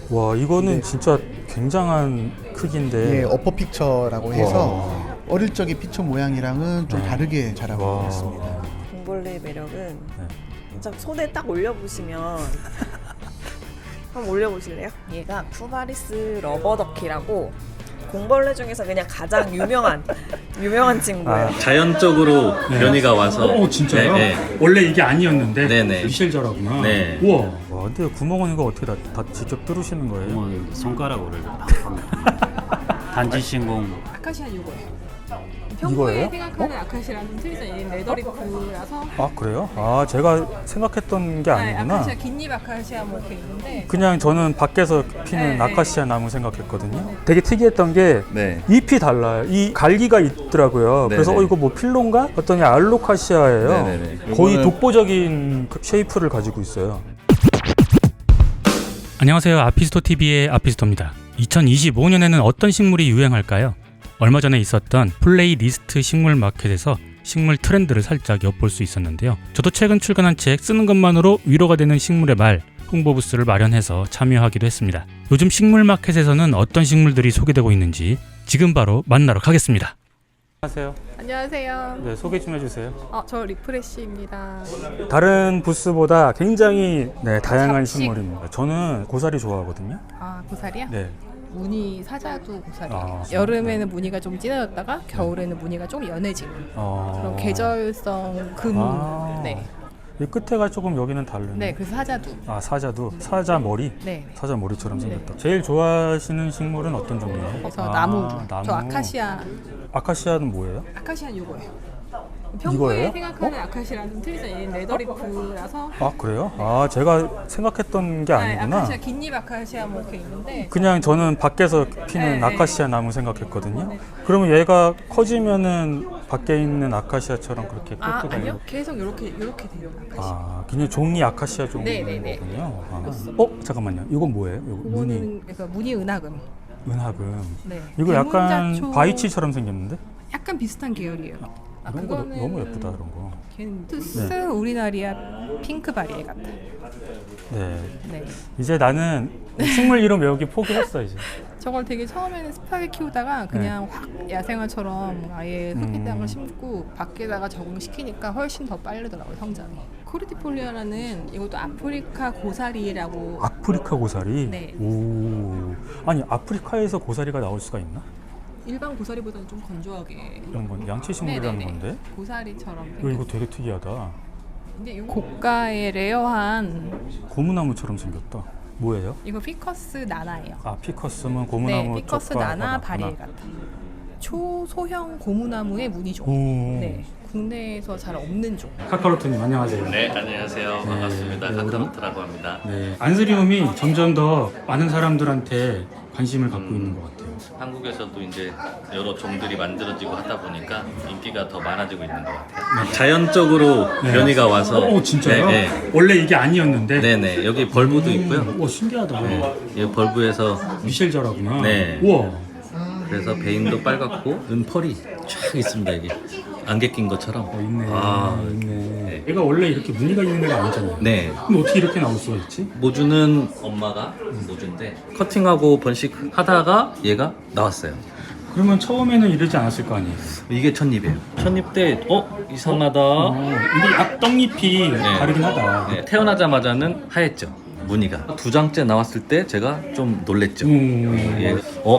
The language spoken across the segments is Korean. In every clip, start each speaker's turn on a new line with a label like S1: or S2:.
S1: 와, 이거는 진짜 굉장한 크기인데.
S2: 예, 어퍼 픽처라고 해서
S1: 와.
S2: 어릴 적의 피처 모양이랑은 좀
S1: 네.
S2: 다르게 자라고
S1: 와.
S2: 있습니다.
S3: 공벌레의 매력은
S1: 네.
S3: 진짜 손에 딱 올려보시면 한번 올려보실래요? 얘가 쿠바리스 러버더키라고 공벌레 중에서 그냥 가장 유명한 친구예요.
S4: 자연적으로 변이가 와서.
S1: 진짜요?
S4: 네, 네.
S1: 원래 이게 아니었는데
S4: 네네.
S1: 미실저라구나.
S4: 네.
S1: 우와. 와, 근데 구멍은 이거 어떻게 다 직접 뚫으시는 거예요?
S5: 뭐 손가락으로 단지 신공.
S6: 아카시아 요거예요.
S1: 이거예요?
S6: 평소에 생각하는 아카시아랑 좀 틀리죠. 얘는 레더리프라서.
S1: 아, 그래요? 아, 제가 생각했던 게 아니구나.
S6: 아카시아 긴잎 아카시아 뭐 이렇게 있는데.
S1: 그냥 저는 밖에서 피는
S6: 네,
S1: 아카시아 나무 생각했거든요. 되게 특이했던 게
S4: 네.
S1: 잎이 달라요. 이 갈기가 있더라고요. 그래서
S4: 네네.
S1: 이거 뭐 필론가? 했더니 알로카시아예요.
S4: 네네네.
S1: 거의
S4: 요거는-
S1: 독보적인 그 쉐이프를 가지고 있어요.
S7: 안녕하세요. 아피스토 TV의 아피스토입니다. 2025년에는 어떤 식물이 유행할까요? 얼마 전에 있었던 플레이리스트 식물 마켓에서 식물 트렌드를 살짝 엿볼 수 있었는데요. 저도 최근 출간한 책 쓰는 것만으로 위로가 되는 식물의 말 홍보 부스를 마련해서 참여하기도 했습니다. 요즘 식물 마켓에서는 어떤 식물들이 소개되고 있는지 지금 바로 만나러 가겠습니다.
S1: 안녕하세요.
S6: 안녕하세요.
S1: 네, 소개 좀 해주세요.
S6: 저 리프레쉬입니다.
S1: 다른 부스보다 굉장히 다양한
S6: 잡식.
S1: 식물입니다. 저는 고사리 좋아하거든요.
S6: 아, 고사리야?
S1: 네.
S6: 무늬 사자도 고사리예요.
S1: 아,
S6: 여름에는 무늬가 좀 진해졌다가 겨울에는 무늬가 좀 연해지는 그런 계절성 금.
S1: 아.
S6: 네.
S1: 이 끝에가 조금 여기는 다르네.
S6: 네, 그래서 사자도.
S1: 아, 사자도 사자 머리.
S6: 네.
S1: 사자 머리처럼 생겼다. 제일 좋아하시는 식물은 어떤 종류예요?
S6: 그래서 나무.
S1: 나무.
S6: 저 아카시아.
S1: 아카시아는 뭐예요?
S6: 아카시아 요거예요.
S1: 이거예요?
S6: 평소에 생각하는 아카시아랑 좀 틀리죠. 얘는 레더리프라서.
S1: 아, 그래요? 아, 제가 생각했던 게 아니구나.
S6: 아카시아 긴잎 아카시아 뭐 이렇게 있는데.
S1: 그냥 저는 밖에서 피는
S6: 네,
S1: 아카시아 나무 생각했거든요. 그러면 얘가 커지면은 밖에 있는 아카시아처럼 그렇게
S6: 아,
S1: 끄트가
S6: 아니요. 계속 요렇게 돼요. 아카시아.
S1: 아, 그냥 종이 아카시아
S6: 네, 네, 네.
S1: 종이군요. 아. 잠깐만요. 이건 뭐예요? 이거 무늬
S6: 그거는 그래서 무늬 은하금.
S1: 은하금.
S6: 네.
S1: 이거 약간
S6: 대문자초-
S1: 바이치처럼 생겼는데?
S6: 약간 비슷한 계열이에요.
S1: 이런 거 너무 예쁘다, 이런 거.
S6: 걔는 투스 우리나리아 핑크 바리에 같아.
S1: 네.
S6: 네.
S1: 이제 나는 식물 이름 외우기 포기했어, 이제.
S6: 저걸 되게 처음에는 습하게 키우다가 그냥 확 야생화처럼 아예 흙에다가 심고 밖에다가 적응시키니까 훨씬 더 빠르더라고요, 성장이. 코르티폴리아라는 이것도 아프리카 고사리라고.
S1: 아프리카 고사리?
S6: 네.
S1: 오. 아니, 아프리카에서 고사리가 나올 수가 있나?
S6: 일반 고사리보다는 좀 건조하게.
S1: 이런 건 양치식물이라는
S6: 네네네.
S1: 건데?
S6: 고사리처럼
S1: 이거
S6: 생겼어요.
S1: 되게 특이하다.
S6: 근데 이거 고가의 레어한
S1: 고무나무처럼 생겼다. 뭐예요?
S6: 이거 피커스 나나예요.
S1: 아, 피커스면 고무나무
S6: 네, 피커스
S1: 쪽과
S6: 나나
S1: 같구나.
S6: 바리에 같아. 초소형 고무나무의 무늬종.
S1: 오.
S6: 네, 국내에서 잘 없는 종.
S1: 카카로트님 안녕하세요.
S4: 네, 안녕하세요. 반갑습니다.
S1: 네,
S4: 카카로트라고 합니다.
S1: 네. 안스리움이 점점 더 많은 사람들한테 관심을 갖고 있는 것 같아요.
S4: 한국에서도 이제 여러 종들이 만들어지고 하다 보니까 인기가 더 많아지고 있는 것 같아요. 자연적으로 변이가 와서.
S1: 오, 진짜요?
S4: 네, 네.
S1: 원래 이게 아니었는데.
S4: 네네. 여기 벌브도 있고요.
S1: 오, 신기하다.
S4: 이 벌브에서
S1: 미실저라구나.
S4: 네.
S1: 우와.
S4: 그래서 베인도 빨갛고 은펄이 쫙 있습니다. 여기 안개 낀 것처럼.
S1: 있네.
S4: 아,
S1: 있네.
S4: 네.
S1: 얘가 원래 이렇게 무늬가 있는 애가 아니잖아요.
S4: 네.
S1: 근데 어떻게 이렇게 나올 수가 있지?
S4: 모주는 엄마가 모주인데 커팅하고 번식하다가 얘가 나왔어요.
S1: 그러면 처음에는 이러지 않았을 거 아니에요?
S4: 이게 첫입이에요. 첫입 때 이상하다.
S1: 근데 앞떡잎이 다르긴 하다.
S4: 네, 태어나자마자는 하였죠. 무늬가 두 장째 나왔을 때 제가 좀 놀랬죠. 얘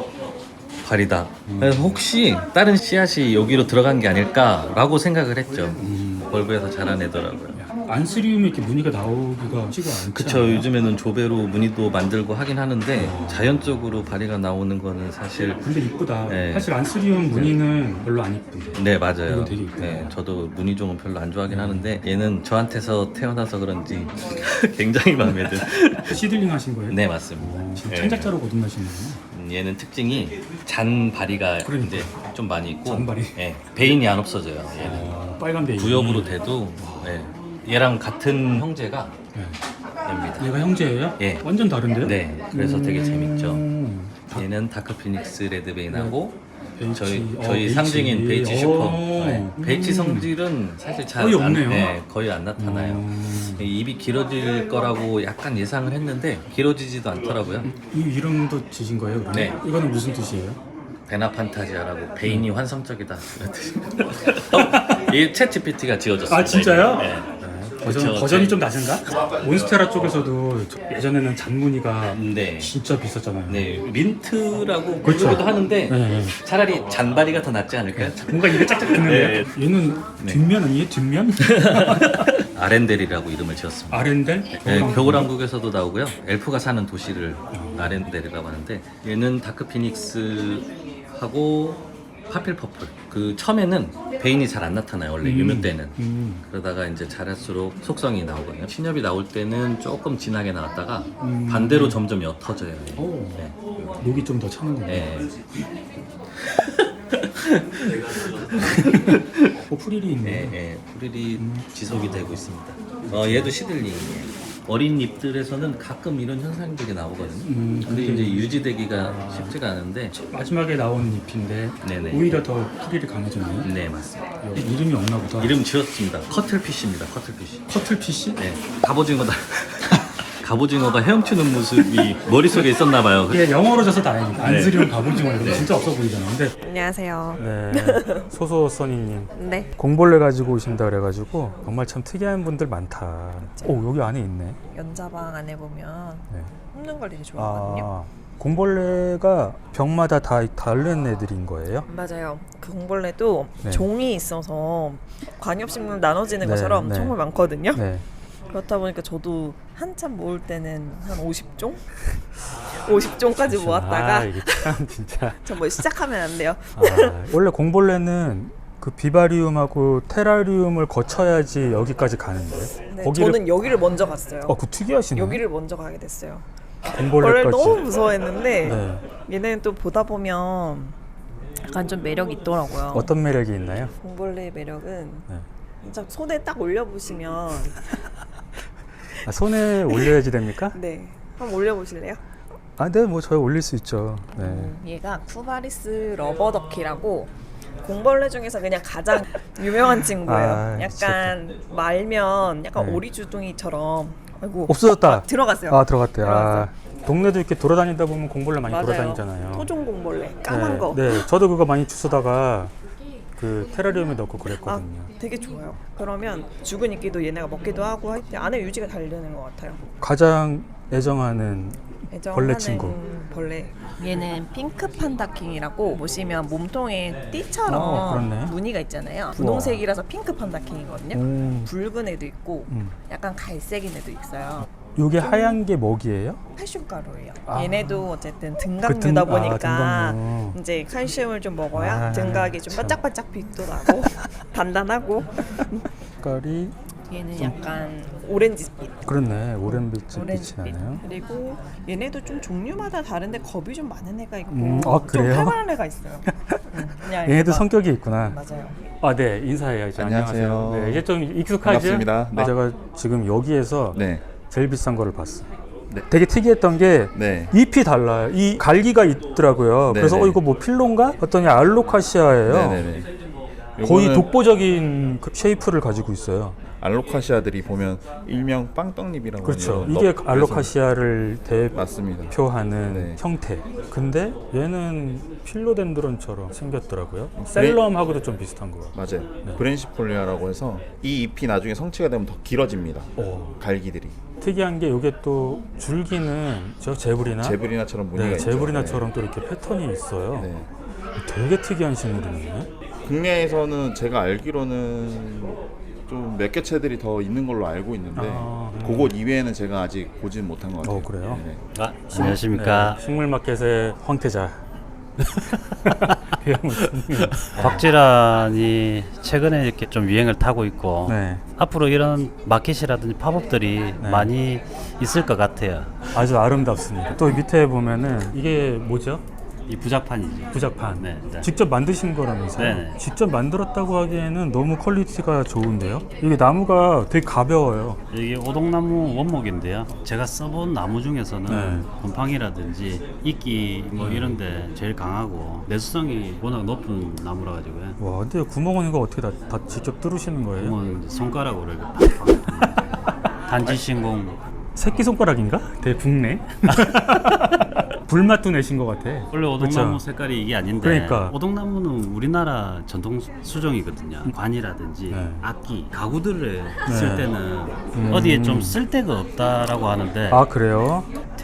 S4: 발이다. 그래서 혹시 다른 씨앗이 여기로 들어간 게 아닐까라고 생각을 했죠. 벌브에서 자라내더라고요.
S1: 안스리움이 이렇게 무늬가 나오기가 쉽지가 않죠.
S4: 그쵸. 요즘에는 조배로 무늬도 만들고 하긴 하는데 자연적으로 발이가 나오는 거는 사실.
S1: 근데 이쁘다.
S4: 네.
S1: 사실 안스리움 무늬는 별로 안 이쁜데.
S4: 네, 맞아요.
S1: 이거 되게 이쁘다.
S4: 네, 저도 무늬종은 별로 안 좋아하긴 하는데 얘는 저한테서 태어나서 그런지 굉장히 마음에 든.
S1: 시들링 하신 거예요?
S4: 네, 맞습니다.
S1: 지금
S4: 네.
S1: 창작자로 거듭나시는구나.
S4: 얘는 특징이 잔 바리가
S1: 그러니까.
S4: 이제 좀 많이 있고,
S1: 잔 바리?
S4: 예, 베인이 안 없어져요. 얘는
S1: 빨간 베이.
S4: 부엽으로 돼도 예, 얘랑 같은 형제가
S1: 네.
S4: 됩니다.
S1: 얘가 형제예요?
S4: 예.
S1: 완전 다른데요?
S4: 네, 그래서 되게 재밌죠. 얘는 다크 피닉스 레드 베인하고
S1: 베이치.
S4: 저희
S1: 베이치.
S4: 상징인 베이치 슈퍼.
S1: 오.
S4: 네, 베이치 성질은 사실 잘
S1: 거의 없네요.
S4: 거의 안 나타나요. 입이 길어질 거라고 약간 예상을 했는데 길어지지도 않더라고요.
S1: 이 이름도 지신 거예요? 그러면?
S4: 네.
S1: 이거는 무슨 뜻이에요?
S4: 베나판타지아라고 베인이 환상적이다. 이 챗GPT가 지어졌습니다.
S1: 아, 진짜요?
S4: 네.
S1: 버전이 좀 낮은가? 몬스테라 쪽에서도 예전에는 잔무늬가
S4: 네.
S1: 진짜 비쌌잖아요.
S4: 네, 민트라고
S1: 그렇죠.
S4: 부르기도 하는데
S1: 네, 네.
S4: 차라리 잔바리가 더 낫지 않을까요?
S1: 뭔가 입에 짝짝 드는데 얘는
S4: 네.
S1: 뒷면 아니에요? 뒷면?
S4: 아렌델이라고 이름을 지었습니다.
S1: 아렌델?
S4: 네, 겨울왕국에서도 나오고요. 엘프가 사는 도시를 아렌델이라고 하는데 얘는 다크 피닉스하고 파필 퍼플. 그 처음에는 베인이 잘 안 나타나요. 원래 유묘 때는. 그러다가 이제 자랄수록 속성이 나오거든요. 신협이 나올 때는 조금 진하게 나왔다가 반대로 점점 옅어져요. 네.
S1: 녹이 좀 더 차는군요.
S4: 네.
S1: 프릴이 있네.
S4: 네, 네. 프릴이 지속이 되고 있습니다. 얘도 시들링이에요. 어린 잎들에서는 가끔 이런 현상들이 나오거든요. 근데 이제 유지되기가 쉽지가 않은데.
S1: 마지막에 나온 잎인데
S4: 네네.
S1: 오히려 더 프릴이 강해졌네요.
S4: 네, 맞습니다.
S1: 이름이 없나 보다.
S4: 이름 지었습니다. 커틀피쉬입니다. 커틀피쉬.
S1: 커틀피쉬?
S4: 네, 갑오징어다. 갑오징어가 헤엄치는 모습이 머릿속에 있었나 봐요.
S1: 이게 영어로 져서 다행이다.
S4: 네.
S1: 안쓰리움 갑오징어 이거 진짜 없어 보이잖아. 근데
S3: 안녕하세요.
S1: 네, 소소 써니님
S3: 네.
S1: 공벌레 가지고 오신다 그래가지고 정말 참 특이한 분들 많다. 오, 여기 안에 있네.
S3: 연자방 안에 보면
S1: 네.
S3: 흡는 걸 되게 좋아하거든요.
S1: 아, 공벌레가 병마다 다 다른 애들인 거예요?
S3: 맞아요. 그 공벌레도
S1: 네.
S3: 종이 있어서 관엽식물 나눠지는
S1: 네,
S3: 것처럼
S1: 네.
S3: 정말 많거든요.
S1: 네.
S3: 그렇다 보니까 저도 한참 모을 때는 한 50종? 50종까지 모았다가
S1: 아, 이게 참 진짜.
S3: 저 뭐 시작하면 안 돼요.
S1: 아, 원래 공벌레는 그 비바리움하고 테라리움을 거쳐야지 여기까지 가는데.
S3: 네, 저는 여기를 먼저 갔어요.
S1: 그 특이하시네.
S3: 여기를 먼저 가게 됐어요.
S1: 공벌레까지.
S3: 벌레를 너무 무서워했는데
S1: 네.
S3: 얘네는 또 보다 보면 약간 좀 매력이 있더라고요.
S1: 어떤 매력이 있나요?
S3: 공벌레의 매력은
S1: 네.
S3: 진짜 손에 딱 올려보시면
S1: 아, 손에 올려야지 됩니까?
S3: 네, 한번 올려보실래요?
S1: 아, 네, 뭐 저희 올릴 수 있죠. 네.
S3: 얘가 쿠바리스 러버더키라고 공벌레 중에서 그냥 가장 유명한 친구예요.
S1: 아,
S3: 약간 말면 약간
S1: 네.
S3: 오리주둥이처럼 아이고
S1: 없어졌다.
S3: 들어갔어요.
S1: 아, 들어갔대요.
S3: 들어갔어요.
S1: 아, 동네도 이렇게 돌아다니다 보면 공벌레 많이
S3: 맞아요.
S1: 돌아다니잖아요.
S3: 토종 공벌레 까만
S1: 네,
S3: 거.
S1: 네, 저도 그거 많이 주스다가 그 테라리움에 넣고
S3: 아,
S1: 그랬거든요.
S3: 되게 좋아요. 그러면 죽은 이끼도 얘네가 먹기도 하고 할 때 안에 유지가 잘 되는 것 같아요.
S1: 가장 애정하는
S3: 애정하는
S1: 벌레 친구.
S3: 벌레. 얘는 핑크 판다킹이라고 보시면 몸통에 띠처럼
S1: 그렇네.
S3: 무늬가 있잖아요. 분홍색이라서 핑크 판다킹이거든요. 붉은 애도 있고 약간 갈색인 애도 있어요.
S1: 요게 하얀 게 먹이에요?
S3: 칼슘가루예요.
S1: 아.
S3: 얘네도 어쨌든
S1: 그
S3: 등각류다 보니까
S1: 등각류.
S3: 이제 칼슘을 좀 먹어야
S1: 아,
S3: 등각이 좀
S1: 참.
S3: 반짝반짝 빛도 나고 단단하고.
S1: 색깔이
S3: 얘는 약간 오렌지빛.
S1: 그렇네. 오렌빛 빛이
S3: 오렌지빛.
S1: 나네요.
S3: 그리고 얘네도 좀 종류마다 다른데 겁이 좀 많은 애가 있고
S1: 아,
S3: 좀
S1: 그래요?
S3: 활발한 애가 있어요. 그냥
S1: 얘네도
S3: 얘가-
S1: 성격이 있구나.
S3: 맞아요.
S1: 아, 네, 인사해야죠.
S2: 안녕하세요.
S1: 네, 이제 좀 익숙하죠?
S2: 반갑습니다. 네.
S1: 제가 지금 여기에서
S2: 네.
S1: 제일 비싼 거를 봤어.
S2: 네.
S1: 되게 특이했던 게
S2: 네.
S1: 잎이 달라요. 이 갈기가 있더라고요.
S2: 네,
S1: 그래서
S2: 네.
S1: 이거 뭐 필로인가? 했더니 알로카시아예요.
S2: 네네네.
S1: 거의
S2: 요거는
S1: 독보적인 그 쉐이프를 가지고 있어요.
S2: 알로카시아들이 보면 일명 빵떡잎이라고
S1: 그렇죠.
S2: 하는
S1: 이게
S2: 떡,
S1: 알로카시아를
S2: 맞습니다.
S1: 대표하는
S2: 네.
S1: 형태. 근데 얘는 필로덴드론처럼 생겼더라고요. 셀럼하고도 좀 비슷한 거.
S2: 맞아요.
S1: 네.
S2: 브렌시폴리아라고 해서 이 잎이 나중에 성체가 되면 더 길어집니다.
S1: 오.
S2: 갈기들이
S1: 특이한 게 이게 또 줄기는 저 제브리나
S2: 제브리나처럼 무늬가
S1: 네,
S2: 있죠.
S1: 제브리나처럼 또 이렇게 패턴이 있어요.
S2: 네.
S1: 되게 특이한 식물이네.
S2: 국내에서는 제가 알기로는 좀 몇 개 채들이 더 있는 걸로 알고 있는데
S1: 아,
S2: 그곳 이외에는 제가 아직 보진 못한 것 같아요.
S1: 그래요?
S2: 네.
S5: 아, 안녕하십니까.
S1: 네, 식물마켓의 황태자.
S5: 곽질환이 최근에 이렇게 좀 유행을 타고 있고
S1: 네,
S5: 앞으로 이런 마켓이라든지 팝업들이
S1: 네.
S5: 많이 있을 것 같아요.
S1: 아주 아름답습니다. 또 밑에 보면은 이게 뭐죠?
S5: 이 부작판이죠.
S1: 부작판.
S5: 네, 네.
S1: 직접 만드신 거라면서요?
S5: 네네.
S1: 직접 만들었다고 하기에는 너무 퀄리티가 좋은데요? 이게 나무가 되게 가벼워요.
S5: 이게 오동나무 원목인데요. 제가 써본 나무 중에서는
S1: 네.
S5: 곰팡이라든지 이끼 뭐 이런데 제일 강하고 내수성이 워낙 높은 나무라 가지고요.
S1: 와, 근데 구멍은 이거 어떻게 다 직접 뚫으시는 거예요?
S5: 그러면 손가락으로 이렇게 팍팍 단지신공
S1: 새끼손가락인가? 되게 붓네. 불맛도 내신 것 같아.
S5: 원래 오동나무
S1: 그쵸?
S5: 색깔이 이게 아닌데
S1: 그러니까.
S5: 오동나무는 우리나라 전통 수종이거든요. 관이라든지
S1: 네.
S5: 악기, 가구들을 쓸
S1: 네.
S5: 때는 어디에 좀 쓸데가 없다라고 하는데
S1: 아 그래요?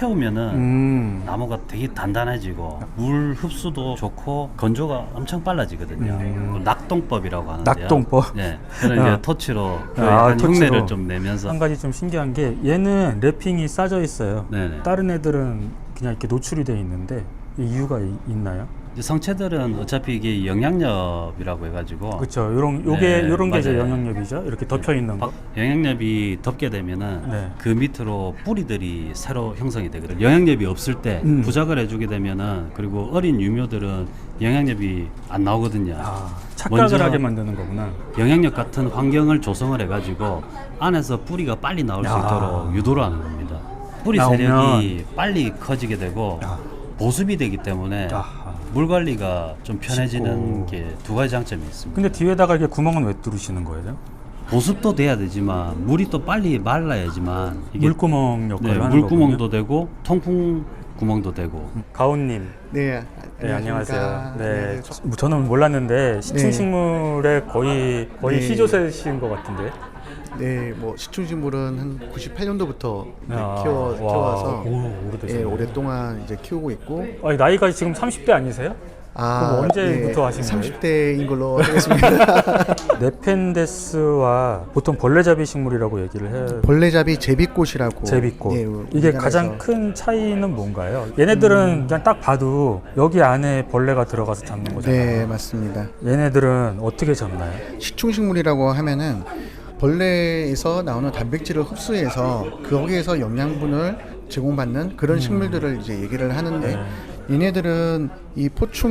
S5: 태우면은 나무가 되게 단단해지고 물 흡수도 좋고 건조가 엄청 빨라지거든요. 그 낙동법이라고 하는데요.
S1: 낙동법?
S5: 네. 저는
S1: 아.
S5: 이제 터치로 그
S1: 아,
S5: 약간
S1: 터치로.
S5: 흉내를 좀 내면서
S1: 한 가지 좀 신기한 게 얘는 랩핑이 싸져 있어요.
S5: 네네.
S1: 다른 애들은 그냥 이렇게 노출이 돼 있는데 이유가 있나요?
S5: 이제 성체들은 어차피 이게 영양렵이라고 해가지고
S1: 그렇죠. 요런
S5: 네,
S1: 요런 게 이제
S5: 맞아요.
S1: 영향력이죠. 이렇게 덮여 있는 거.
S5: 영양렵이 덮게 되면은
S1: 네.
S5: 그 밑으로 뿌리들이 새로 형성이 되거든요. 영양렵이 없을 때 부작을 해주게 되면은 그리고 어린 유묘들은 영양렵이 안 나오거든요.
S1: 아, 착각을
S5: 먼저
S1: 하게 만드는 거구나.
S5: 영양력 같은 환경을 조성을 해가지고 안에서 뿌리가 빨리 나올 수
S1: 야.
S5: 있도록 유도를 하는 겁니다. 뿌리
S1: 나오면-
S5: 세력이 빨리 커지게 되고
S1: 야.
S5: 보습이 되기 때문에
S1: 아하.
S5: 물 관리가 좀 편해지는
S1: 쉽고.
S5: 게 두 가지 장점이 있습니다.
S1: 근데 뒤에다가 이렇게 구멍은 왜 뚫으시는 거예요?
S5: 보습도 돼야 되지만 물이 또 빨리 말라야지만 이게
S1: 물구멍 역할을
S5: 네,
S1: 하는
S5: 물구멍도
S1: 거군요.
S5: 되고 통풍 구멍도 되고
S1: 가온님.
S8: 네,
S1: 네, 안녕하세요. 네,
S8: 안녕하세요.
S1: 저는 몰랐는데 시충식물의 거의
S8: 네.
S1: 시조새신 것 같은데.
S8: 네, 뭐 시충식물은 한 98년도부터
S1: 아,
S8: 키워와서
S1: 오래되셨네.
S8: 예, 오랫동안 이제 키우고 있고.
S1: 아니, 나이가 지금 30대 아니세요? 그럼 언제부터 하신 거예요?
S8: 30대인 걸로 하겠습니다.
S1: 네펜데스와 보통 벌레잡이 식물이라고 얘기를 해요.
S8: 벌레잡이 제비꽃이라고.
S1: 제비꽃.
S8: 예,
S1: 이게
S8: 우리나라에서.
S1: 가장 큰 차이는 뭔가요? 얘네들은 그냥 딱 봐도 여기 안에 벌레가 들어가서 잡는 거잖아요.
S8: 네, 맞습니다.
S1: 얘네들은 어떻게 잡나요?
S8: 식충식물이라고 하면은 벌레에서 나오는 단백질을 흡수해서 거기에서 영양분을 제공받는 그런 식물들을 이제 얘기를 하는데 얘네들은 이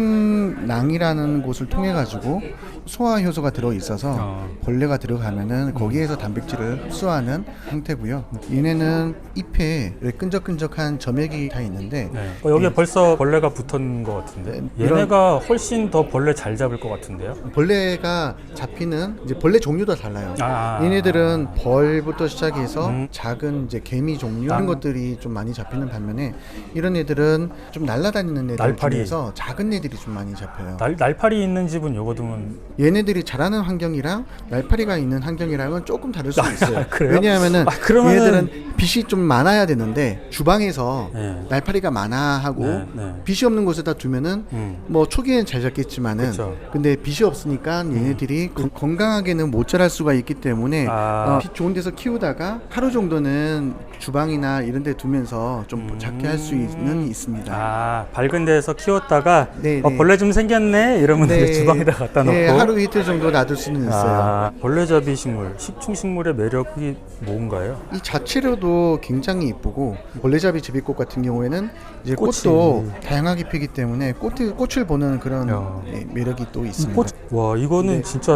S8: 포충낭이라는 곳을 통해 가지고 소화 효소가 들어 있어서 벌레가 들어가면은 거기에서 단백질을 흡수하는 형태고요. 얘네는 잎에 끈적끈적한 점액이 다 있는데
S1: 여기에 벌써 벌레가 붙은 것 같은데 얘네가 훨씬 더 벌레 잘 잡을 것 같은데요?
S8: 벌레가 잡히는 이제 벌레 종류도 달라요.
S1: 아.
S8: 얘네들은 벌부터 시작해서 작은 이제 개미 종류 이런 것들이 좀 많이 잡히는 반면에 이런 애들은 좀 날아다니는 애들
S1: 날파리.
S8: 중에서 작은 애들이 좀 많이 잡혀요.
S1: 날파리 있는 집은 요거 두면
S8: 얘네들이 자라는 환경이랑 날파리가 있는 환경이랑은 조금 다를 수 있어요.
S1: 그래요?
S8: 왜냐하면은
S1: 그러면은-
S8: 얘네들은 빛이 좀 많아야 되는데 주방에서
S1: 네.
S8: 날파리가 많아 하고
S1: 네.
S8: 빛이 없는 곳에다 두면은 뭐 초기에는 잘 잡겠지만은
S1: 그쵸.
S8: 근데 빛이 없으니까 얘네들이 건강하게는 못 자랄 수가 있기 때문에 빛 좋은 데서 키우다가 하루 정도는 주방이나 이런 데 두면서 좀 작게 할 수는 있습니다.
S1: 아, 밝은 데서 키웠다가
S8: 네, 네.
S1: 벌레 좀 생겼네 이러면 이제 주방에다 갖다 놓고
S8: 네, 하루 이틀 정도 놔둘 수는 있어요.
S1: 아, 벌레잡이 식물, 식충식물의 매력이 뭔가요?
S8: 이 자체로도 굉장히 이쁘고 벌레잡이 제비꽃 같은 경우에는 이제
S1: 꽃이.
S8: 꽃도 다양하게 피기 때문에 꽃을 보는 그런
S1: 야.
S8: 매력이 또 있습니다.
S1: 와, 이거는
S8: 네.
S1: 진짜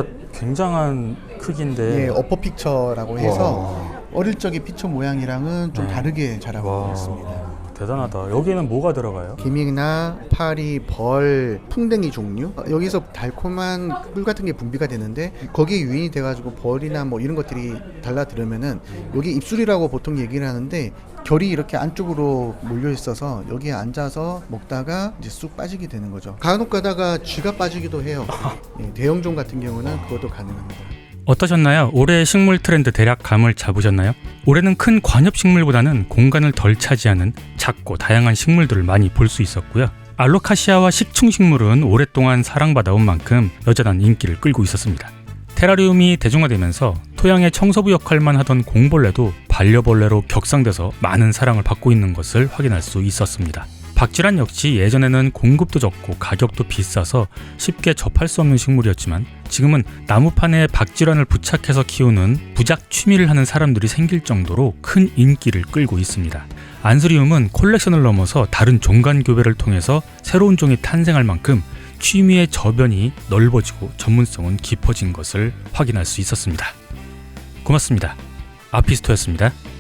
S1: 굉장한 크기인데.
S8: 예, 어퍼 픽처라고 해서 어릴 적의 피처 모양이랑은 좀
S1: 네.
S8: 다르게 자라고
S1: 와,
S8: 있습니다.
S1: 대단하다. 여기는 뭐가 들어가요?
S8: 개미나 파리, 벌, 풍뎅이 종류 여기서 달콤한 꿀 같은 게 분비가 되는데 거기에 유인이 돼가지고 벌이나 뭐 이런 것들이 달라들으면은 여기 입술이라고 보통 얘기를 하는데 결이 이렇게 안쪽으로 몰려 있어서 여기에 앉아서 먹다가 이제 쑥 빠지게 되는 거죠. 간혹 가다가 쥐가 빠지기도 해요. 예, 대형종 같은 경우는 그것도 가능합니다.
S7: 어떠셨나요? 올해의 식물 트렌드 대략 감을 잡으셨나요? 올해는 큰 관엽식물보다는 공간을 덜 차지하는 작고 다양한 식물들을 많이 볼 수 있었고요. 알로카시아와 식충식물은 오랫동안 사랑받아온 만큼 여전한 인기를 끌고 있었습니다. 테라리움이 대중화되면서 토양의 청소부 역할만 하던 공벌레도 반려벌레로 격상돼서 많은 사랑을 받고 있는 것을 확인할 수 있었습니다. 박쥐란 역시 예전에는 공급도 적고 가격도 비싸서 쉽게 접할 수 없는 식물이었지만 지금은 나무판에 박쥐란을 부착해서 키우는 부작 취미를 하는 사람들이 생길 정도로 큰 인기를 끌고 있습니다. 안스리움은 콜렉션을 넘어서 다른 종간 교배를 통해서 새로운 종이 탄생할 만큼 취미의 저변이 넓어지고 전문성은 깊어진 것을 확인할 수 있었습니다. 고맙습니다. 아피스토였습니다.